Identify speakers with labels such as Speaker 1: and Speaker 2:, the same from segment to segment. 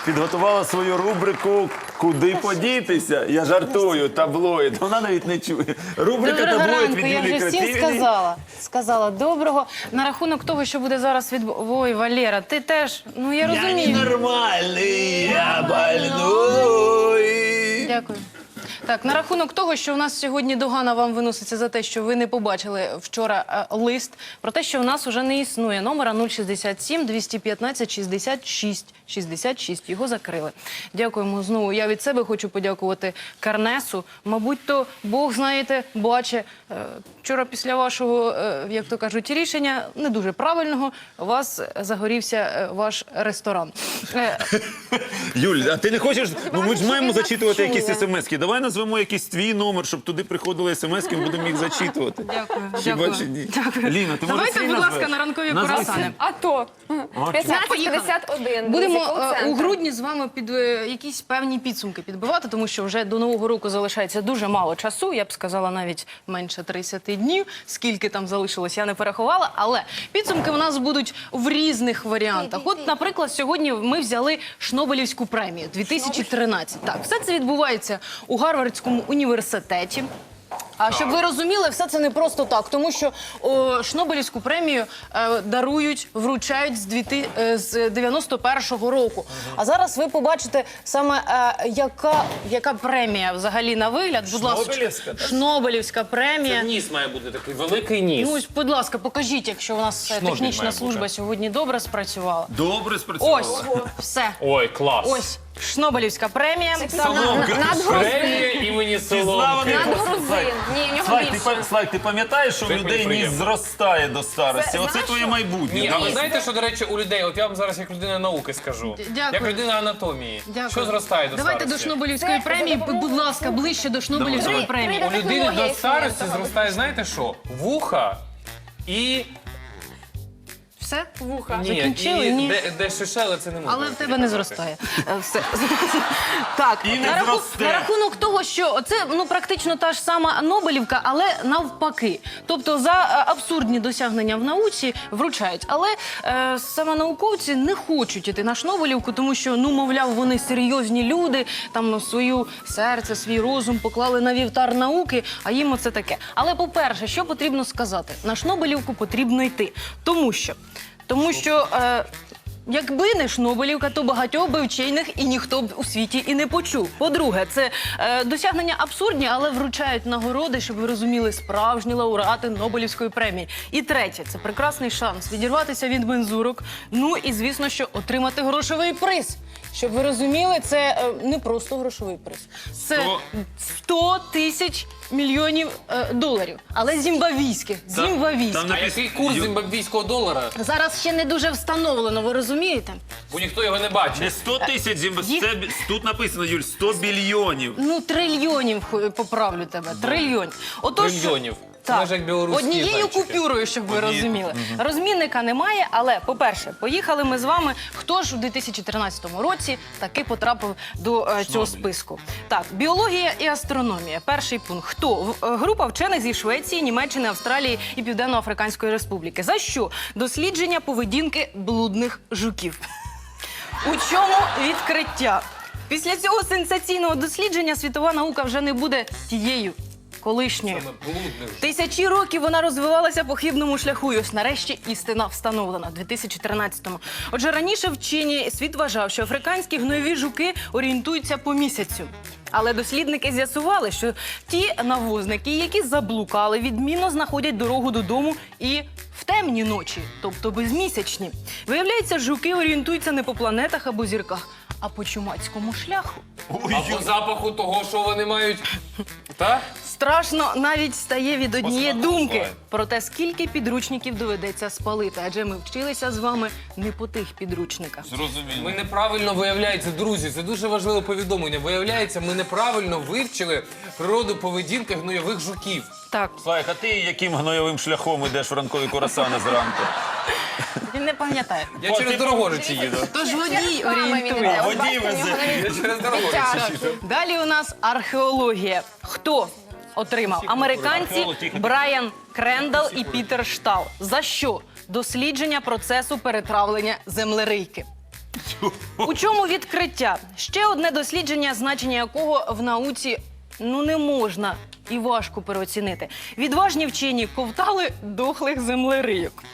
Speaker 1: підготувала свою рубрику «Куди подітися?». Я жартую, таблоїд. Вона навіть не чує. Рубрика
Speaker 2: Доброго
Speaker 1: «Таблоїд»
Speaker 2: ранку,
Speaker 1: від
Speaker 2: я
Speaker 1: Юлії
Speaker 2: вже всім
Speaker 1: Крапівні.
Speaker 2: сказала доброго. На рахунок того, що буде зараз Ой, Валера, ти теж, ну я
Speaker 1: Я
Speaker 2: розумію.
Speaker 1: ненормальний, я больной.
Speaker 2: Дякую. Так, на рахунок того, що у нас сьогодні догана вам виноситься за те, що ви не побачили вчора лист, про те, що у нас вже не існує номера 067 215 66 66. Його закрили. Дякуємо знову. Я від себе хочу подякувати Карнесу. Мабуть, то Бог, знаєте, бачить. Вчора після вашого, як то кажуть, рішення, не дуже правильного, у вас загорівся ваш ресторан.
Speaker 1: Юль, а ти не хочеш? Ну ми ж маємо зачитувати якісь смс-ки. Давай назвемо якийсь твій номер, щоб туди приходили смс-ки, ми будемо їх зачитувати.
Speaker 2: Дякую.
Speaker 1: Хіба
Speaker 2: Дякую.
Speaker 1: чи ні?
Speaker 2: Дякую.
Speaker 1: Ліна, ти може
Speaker 2: Давайте,
Speaker 1: свій
Speaker 2: будь
Speaker 1: назвеш?
Speaker 2: ласка, на ранкові
Speaker 1: Назви
Speaker 2: курасани.
Speaker 1: свій.
Speaker 3: А то 1551.
Speaker 2: Будемо у грудні з вами під якісь певні підсумки підбивати, тому що вже до Нового року залишається дуже мало часу. Я б сказала, навіть менше 30 днів. Скільки там залишилось, я не перерахувала. Але підсумки у нас будуть в різних варіантах. От, наприклад, сьогодні ми взяли Шнобелівську премію 2013. Так, все це відбувається у Гарвардському університеті. А щоб ви розуміли, все це не просто так, тому що Шнобелівську премію дарують, вручають з 91-го року. А зараз ви побачите саме, яка премія взагалі на вигляд. Будь ласка,
Speaker 1: Шнобелівська, так?
Speaker 2: Шнобелівська премія.
Speaker 4: Це ніс має бути такий, великий ніс.
Speaker 2: Ну, ось, будь ласка, покажіть, якщо у нас
Speaker 4: Шнобель
Speaker 2: технічна
Speaker 4: має
Speaker 2: служба
Speaker 4: бути.
Speaker 2: сьогодні добре спрацювала.
Speaker 1: Добре спрацювала.
Speaker 2: Ось, все.
Speaker 4: Ой, клас.
Speaker 2: Ось, Шнобелівська премія.
Speaker 4: Премія імені Соломки.
Speaker 3: Надгрузин. Ні, в нього більше.
Speaker 1: Слайк, ти пам'ятаєш, що у
Speaker 4: Це
Speaker 1: людей ніс
Speaker 4: приємно.
Speaker 1: зростає до старості? Оце твоє майбутнє.
Speaker 4: Ні,
Speaker 1: да?
Speaker 4: а ви знаєте, що, до речі, у людей, от я вам зараз як людина науки скажу,
Speaker 2: Дякую.
Speaker 4: як людина анатомії,
Speaker 2: Дякую.
Speaker 4: що зростає до
Speaker 2: Давайте
Speaker 4: старості?
Speaker 2: до Шнобелівської премії, будь ласка, ближче до Шнобелівської
Speaker 1: Давай.
Speaker 2: премії.
Speaker 4: У людини
Speaker 3: Технологія
Speaker 4: до старості
Speaker 3: існує.
Speaker 4: зростає, знаєте що? Вуха і...
Speaker 2: Все?
Speaker 3: Вуха.
Speaker 4: Ні,
Speaker 2: Закінчили?
Speaker 4: і
Speaker 2: Ні.
Speaker 4: де шишели, це не можна.
Speaker 2: Але в тебе не зростає. Все. Так,
Speaker 1: І не
Speaker 2: на
Speaker 1: зросте.
Speaker 2: рахунок того, що це практично та ж сама Нобелівка, але навпаки. Тобто за абсурдні досягнення в науці вручають. Але саме науковці не хочуть іти на Шнобелівку, тому що, мовляв, вони серйозні люди, там свою серце, свій розум поклали на вівтар науки, а їм оце таке. Але, по-перше, що потрібно сказати? На Шнобелівку потрібно йти. Тому що якби не Шнобелівка, то багатьох би вчених і ніхто б у світі і не почув. По-друге, це досягнення абсурдні, але вручають нагороди, щоб ви розуміли, справжні лауреати Нобелівської премії. І третє, це прекрасний шанс відірватися від мензурок, і, звісно, що отримати грошовий приз. Щоб ви розуміли, це не просто грошовий приз. Це 100 тисяч мільйонів доларів. Але зімбабвійських. Зімбабвійських.
Speaker 4: А який курс зімбабвійського долара?
Speaker 2: Зараз ще не дуже встановлено, ви розумієте?
Speaker 4: Бо ніхто його не
Speaker 1: Не
Speaker 4: бачить.
Speaker 1: 100 тисяч
Speaker 2: Їх-
Speaker 1: тут написано, Юль, 100 білйонів.
Speaker 2: Трильйонів, поправлю тебе. Трильйонів.
Speaker 4: Трильйонів. Це
Speaker 2: Так,
Speaker 4: майже як білоруські
Speaker 2: однією
Speaker 4: зайчики.
Speaker 2: купюрою, щоб ви розуміли. Розмінника немає, але, по-перше, поїхали ми з вами. Хто ж у 2013 році таки потрапив до цього списку? Так, біологія і астрономія. Перший пункт. Хто? Група вчених зі Швеції, Німеччини, Австралії і Південно-Африканської Республіки. За що? Дослідження поведінки блудних жуків. У чому відкриття? Після цього сенсаційного дослідження світова наука вже не буде тією колишньою.
Speaker 4: Саме блудних.
Speaker 2: Тисячі років вона розвивалася по хибному шляху. І ось нарешті істина встановлена в 2013-му. Отже, раніше вчені світ вважав, що африканські гнойові жуки орієнтуються по місяцю. Але дослідники з'ясували, що ті навозники, які заблукали, відмінно знаходять дорогу додому і в темні ночі, тобто безмісячні. Виявляється, жуки орієнтуються не по планетах або зірках, а по чумацькому шляху.
Speaker 4: А по запаху того, що вони мають... Так?
Speaker 2: Страшно навіть стає від однієї
Speaker 4: Посмаку
Speaker 2: думки
Speaker 4: буває.
Speaker 2: про те, скільки підручників доведеться спалити. Адже ми вчилися з вами не по тих підручниках.
Speaker 1: Зрозуміло.
Speaker 4: Ми неправильно, виявляється, друзі, це дуже важливе повідомлення. Виявляється, ми неправильно вивчили природу поведінки гнойових жуків.
Speaker 2: Так,
Speaker 1: Слайк, а ти яким гнойовим шляхом йдеш в ранкові курасани зранку?
Speaker 2: він не пам'ятає.
Speaker 4: Я через Дорогожичі їду.
Speaker 2: Тож водій
Speaker 3: Реклама він
Speaker 2: орієнтує.
Speaker 3: іде. От
Speaker 1: Водій
Speaker 3: бачите, в нього
Speaker 1: везе.
Speaker 4: Я
Speaker 3: навіть
Speaker 4: через Дорогожичі
Speaker 3: дитячий.
Speaker 4: їду.
Speaker 2: Далі у нас археологія. Хто отримав? Американці Брайан Крендал і Пітер Штал. За що? Дослідження процесу перетравлення землерийки. У чому відкриття? Ще одне дослідження, значення якого в науці не можна і важко переоцінити. Відважні вчені ковтали дохлих землерийок.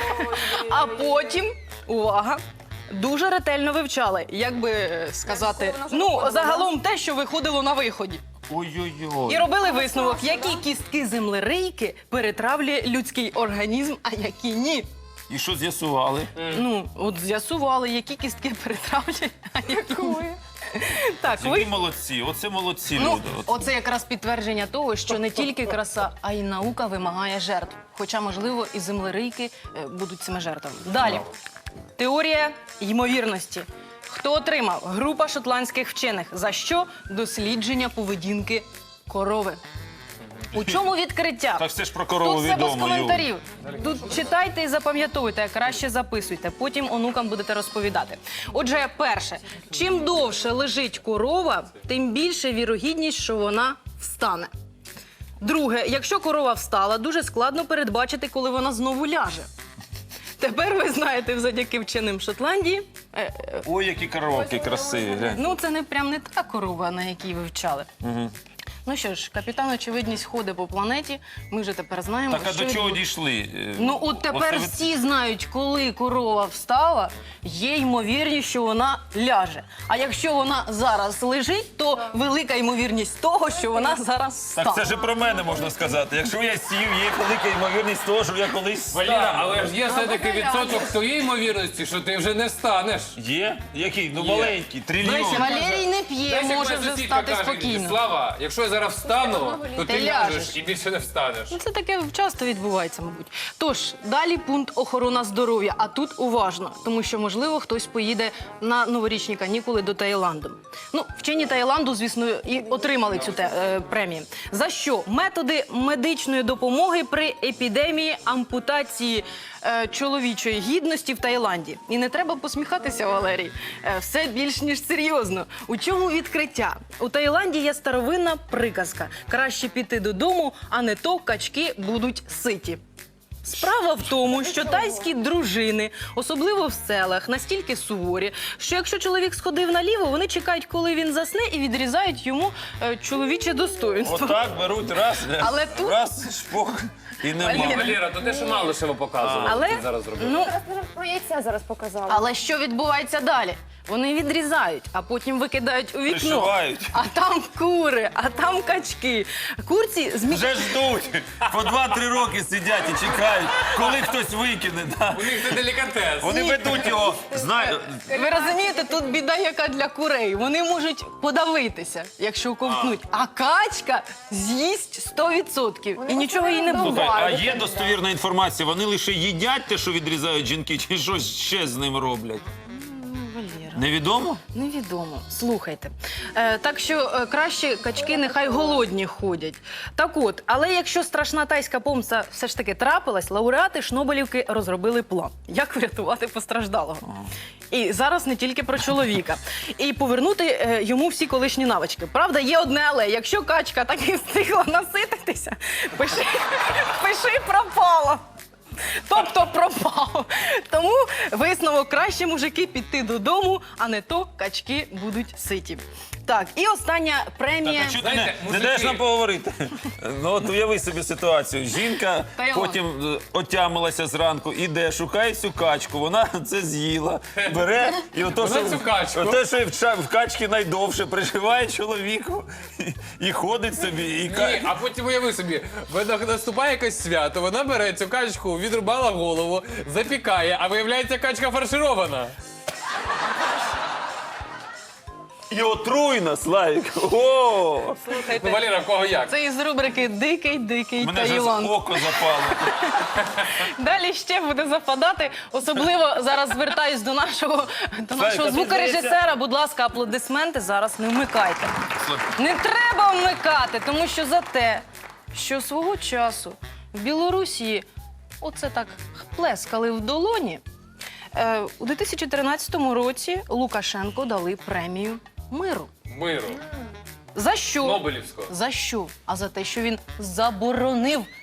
Speaker 2: А потім, увага, дуже ретельно вивчали, як би сказати, загалом те, що виходило на виході.
Speaker 1: Ой-ой-ой.
Speaker 2: І робили висновок, які кістки землерийки перетравлює людський організм, а які ні.
Speaker 1: І що з'ясували?
Speaker 2: От з'ясували, які кістки перетравлює, а які ні. Так,
Speaker 1: Які молодці, оце молодці люди.
Speaker 2: оце якраз підтвердження того, що не тільки краса, а й наука вимагає жертв. Хоча, можливо, і землерийки будуть цими жертвами. Далі. Теорія ймовірності. Хто отримав? Група шотландських вчених. За що? Дослідження поведінки корови. У чому відкриття?
Speaker 1: Так все ж про корову
Speaker 2: Тут все без
Speaker 1: відомо, Юль.
Speaker 2: коментарів. Тут читайте і запам'ятовуйте, а краще записуйте. Потім онукам будете розповідати. Отже, перше. Чим довше лежить корова, тим більше вірогідність, що вона встане. Друге. Якщо корова встала, дуже складно передбачити, коли вона знову ляже. Тепер ви знаєте, завдяки вченим Шотландії.
Speaker 1: Ой, які коровки красиві. глянь.
Speaker 2: Це не прям не та корова, на якій ви вчали. Ну що ж, капітан очевидність ходить по планеті. Ми вже тепер знаємо,
Speaker 1: Так, а
Speaker 2: що
Speaker 1: до чого
Speaker 2: відбувається.
Speaker 1: дійшли?
Speaker 2: От тепер
Speaker 1: Оце
Speaker 2: всі знають, коли корова встала, є ймовірність, що вона ляже. А якщо вона зараз лежить, то велика ймовірність того, що вона зараз встала.
Speaker 1: Так це ж і про мене можна сказати. Якщо я сів, є велика ймовірність того, що я колись
Speaker 4: Валера,
Speaker 1: встану.
Speaker 4: але ж є все-таки відсоток тієї ймовірності, що ти вже не встанеш.
Speaker 1: Є? Який? Маленький, трильйон.
Speaker 2: Валерій не п'є,
Speaker 4: Знаєш, як
Speaker 2: може
Speaker 4: моя
Speaker 2: вже
Speaker 4: сусідка
Speaker 2: встати
Speaker 4: каже,
Speaker 2: спокійно.
Speaker 4: Слава, якщо я зараз встану, то
Speaker 2: Ти
Speaker 4: ти
Speaker 2: ляжеш.
Speaker 4: ляжеш і більше не встанеш.
Speaker 2: Це таке часто відбувається, мабуть. Тож, далі пункт охорона здоров'я. А тут уважно, тому що, можливо, хтось поїде на новорічні канікули до Таїланду. Вчені Таїланду, звісно, і отримали цю премію. За що? Методи медичної допомоги при епідемії ампутації чоловічої гідності в Таїланді. І не треба посміхатися, Валерій. Все більш ніж серйозно. У чому відкриття? У Таїланді є старовинна приказка. Краще піти додому, а не то качки будуть ситі. Справа в тому, що тайські дружини, особливо в селах, настільки суворі, що якщо чоловік сходив наліво, вони чекають, коли він засне, і відрізають йому чоловіче достоинство.
Speaker 1: Отак беруть раз,
Speaker 2: Але тут-
Speaker 1: раз, шпок, і нема.
Speaker 4: Валера, то те, що мало ще ви показували,
Speaker 2: Але,
Speaker 4: ти зараз зробив.
Speaker 3: Про яйця зараз показали.
Speaker 2: але що відбувається далі? Вони відрізають, а потім викидають у вікно.
Speaker 1: Пришивають.
Speaker 2: А там кури, а там качки. Курці
Speaker 1: Вже ждуть. По 2-3 роки сидять і чекають, коли хтось викине. Да.
Speaker 4: У них це делікатес.
Speaker 1: Вони ведуть його, знаєте,
Speaker 2: Ви розумієте, тут біда яка для курей. Вони можуть подавитися, якщо ковтнуть. А качка з'їсть 100%. І нічого їй не буде.
Speaker 1: а є достовірна інформація, вони лише їдять те, що відрізають жінки, чи щось ще з ним роблять?
Speaker 2: Валера.
Speaker 1: Невідомо?
Speaker 2: Невідомо. Слухайте. Так що краще качки нехай голодні ходять. Так от, але якщо страшна тайська помста все ж таки трапилась, лауреати Шнобелівки розробили план, як врятувати постраждалого. І зараз не тільки про чоловіка. І повернути йому всі колишні навички. Правда, є одне але. Якщо качка так і встигла насититися, пиши пропало. Тобто пропав. Тому висновок краще, мужики, піти додому, а не то качки будуть ситі. Так, і остання премія.
Speaker 1: Так, а чого ти
Speaker 4: Знаєте,
Speaker 1: не
Speaker 4: мужики-
Speaker 1: даєш нам поговорити? От уяви собі ситуацію. Жінка
Speaker 2: Таїланд.
Speaker 1: потім отямилася зранку, іде, шукає цю качку, вона це з'їла, бере і ото,
Speaker 4: Вона цю качку.
Speaker 1: ото, що в качки найдовше, приживає чоловіку і ходить собі. І
Speaker 4: Ні, а потім уяви собі, наступає якесь свято, вона бере цю качку, відрубала голову, запікає, а виявляється, качка фарширована.
Speaker 1: І отруйна, Славік. О!
Speaker 4: Ну, Валера, в кого як?
Speaker 2: Це із рубрики «Дикий
Speaker 1: Мене вже
Speaker 2: Таїланд».
Speaker 1: око запало.
Speaker 2: Далі ще буде западати. Особливо зараз звертаюсь до нашого
Speaker 1: Славік,
Speaker 2: звукорежисера. Будь ласка, аплодисменти зараз не вмикайте. Не треба вмикати, тому що за те, що свого часу в Білорусі оце так плескали в долоні, у 2013 році Лукашенку дали премію миру.
Speaker 4: Миру.
Speaker 2: За що?
Speaker 4: Нобелівського.
Speaker 2: За що? А за те, що він заборонив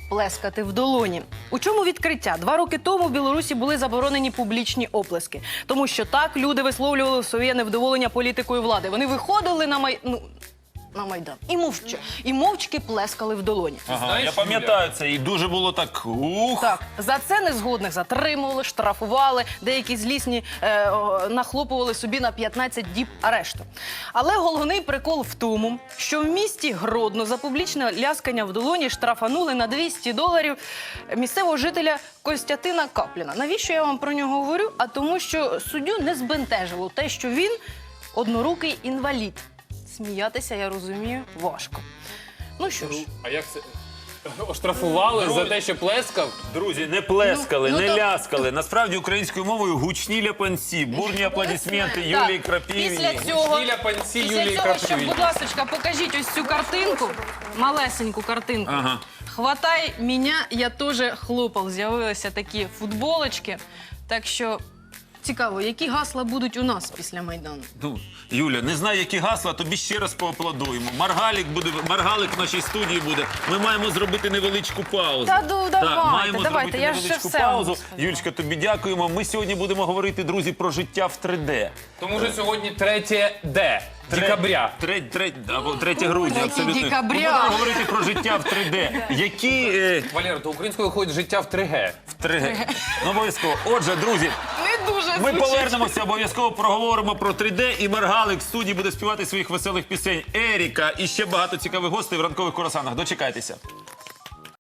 Speaker 2: плескати в долоні. У чому відкриття? 2 роки тому в Білорусі були заборонені публічні оплески. Тому що так люди висловлювали своє невдоволення політикою влади. Вони виходили на Майдан і мовчки плескали в долоні.
Speaker 1: Ага,
Speaker 4: Знаєш,
Speaker 1: я пам'ятаю це, і дуже було так. Ух.
Speaker 2: Так, за це незгодних затримували, штрафували, деякі злісні нахлопували собі на 15 діб арешту. Але головний прикол в тому, що в місті Гродно за публічне ляскання в долоні штрафанули на $200 місцевого жителя Костянтина Капліна. Навіщо я вам про нього говорю? А тому, що суддю не збентежило те, що він однорукий інвалід. Сміятися, я розумію, важко. Ну що ж.
Speaker 4: А як це? Оштрафували
Speaker 1: Друзі.
Speaker 4: за те, що плескав?
Speaker 1: Друзі, не плескали,
Speaker 2: Ну,
Speaker 1: не
Speaker 2: то-
Speaker 1: ляскали. Насправді українською мовою гучні ляпанці, бурні аплодисменти Юлії Крапівні.
Speaker 2: Після цього,
Speaker 4: Гучні ляпанці Юлії
Speaker 2: після цього, щоб,
Speaker 4: Крапивні.
Speaker 2: будь ласка, покажіть ось цю картинку, малесеньку картинку.
Speaker 1: Ага.
Speaker 2: «Хватай мене, я теж хлопав». З'явилися такі футболочки. Так що цікаво, які гасла будуть у нас після Майдану?
Speaker 1: Ну, Юля, не знаю, які гасла, тобі ще раз поаплодуємо. Маргалик в нашій студії буде. Ми маємо зробити невеличку паузу.
Speaker 2: Та ну, давайте,
Speaker 1: маємо
Speaker 2: давайте,
Speaker 1: зробити
Speaker 2: я ж
Speaker 1: невеличку
Speaker 2: все
Speaker 1: паузу.
Speaker 2: вам сказала.
Speaker 1: Юлечка, тобі дякуємо. Ми сьогодні будемо говорити, друзі, про життя в 3D.
Speaker 4: Тому що сьогодні 3 декабря.
Speaker 1: 3 грудня, абсолютно.
Speaker 2: декабря.
Speaker 1: Ми будемо говорити про життя в 3D. Які
Speaker 4: Валера, то українською виходить життя в 3G.
Speaker 1: в 3D? Ну, обов'язково. Отже, друзі,
Speaker 2: Не дуже
Speaker 1: ми
Speaker 2: звучить.
Speaker 1: повернемося, обов'язково проговоримо про 3D, і Маргалик в студії буде співати своїх веселих пісень. Еріка і ще багато цікавих гостей в ранкових курасанах. Дочекайтеся.